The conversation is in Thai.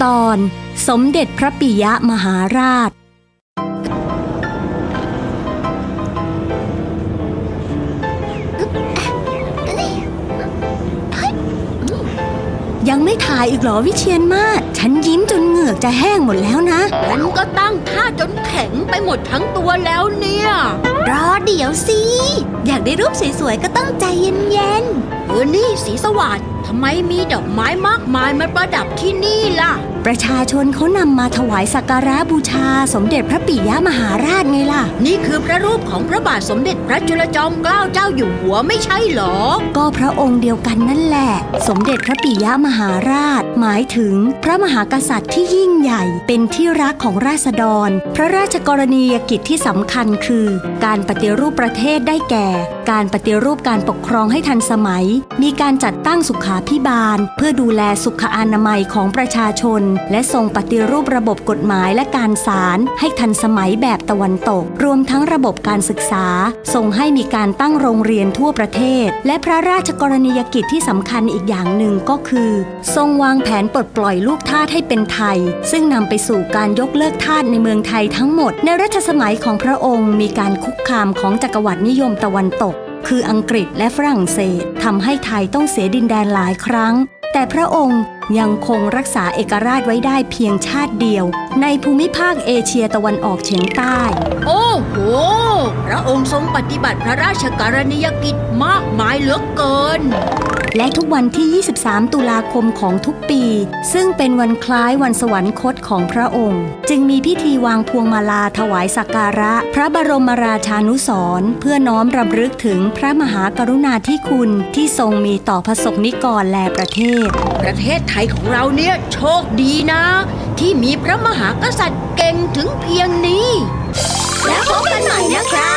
ตอนสมเด็จพระปิยมหาราชยังไม่ถ่ายอีกเหรอวิเชียรมาศฉันยิ้มจนเหงือกจะแห้งหมดแล้วนะฉันก็ตั้งท่าจนแข็งไปหมดทั้งตัวแล้วเนี่ยรอเดี๋ยวสิอยากได้รูปสวยๆก็ต้องใจเย็นๆนี่สีสวัสดิ์ทำไมมีดอกไม้มากมายมาประดับที่นี่ล่ะประชาชนเขานำมาถวายสักการะบูชาสมเด็จพระปิยมหาราชไงล่ะนี่คือพระรูปของพระบาทสมเด็จพระจุลจอมเกล้าเจ้าอยู่หัวไม่ใช่หรอก็พระองค์เดียวกันนั่นแหละสมเด็จพระปิยมหาราชหมายถึงพระมหากษัตริย์ที่ยิ่งใหญ่เป็นที่รักของราษฎรพระราชกรณียกิจที่สำคัญคือการปฏิรูปประเทศได้แก่การปฏิรูปการปกครองให้ทันสมัยมีการจัดตั้งสุขาภิบาลเพื่อดูแลสุขอนามัยของประชาชนและทรงปฏิรูประบบกฎหมายและการศาลให้ทันสมัยแบบตะวันตกรวมทั้งระบบการศึกษาทรงให้มีการตั้งโรงเรียนทั่วประเทศและพระราชกรณียกิจที่สำคัญอีกอย่างหนึ่งก็คือทรงวางแผนปลดปล่อยลูกทาสให้เป็นไทยซึ่งนำไปสู่การยกเลิกทาสในเมืองไทยทั้งหมดในรัชสมัยของพระองค์มีการคุกคามของจักรวรรดินิยมตะวันตกคืออังกฤษและฝรั่งเศสทำให้ไทยต้องเสียดินแดนหลายครั้งแต่พระองค์ยังคงรักษาเอกราชไว้ได้เพียงชาติเดียวในภูมิภาคเอเชียตะวันออกเฉียงใต้โอ้โหพระองค์ทรงปฏิบัติพระราชกรณียกิจมากมายเหลือเกินและทุกวันที่ 23 ตุลาคมของทุกปีซึ่งเป็นวันคล้ายวันสวรรคตของพระองค์จึงมีพิธีวางพวงมาลาถวายสักการะพระบรมราชานุสรณ์เพื่อน้อมรำลึกถึงพระมหากรุณาธิคุณที่ทรงมีต่อพระสงฆ์นิกรและประเทศประเทศไทยของเราเนี่ยโชคดีนะที่มีพระมหากษัตริย์เก่งถึงเพียงนี้แล้วพบกันใหม่นะคะ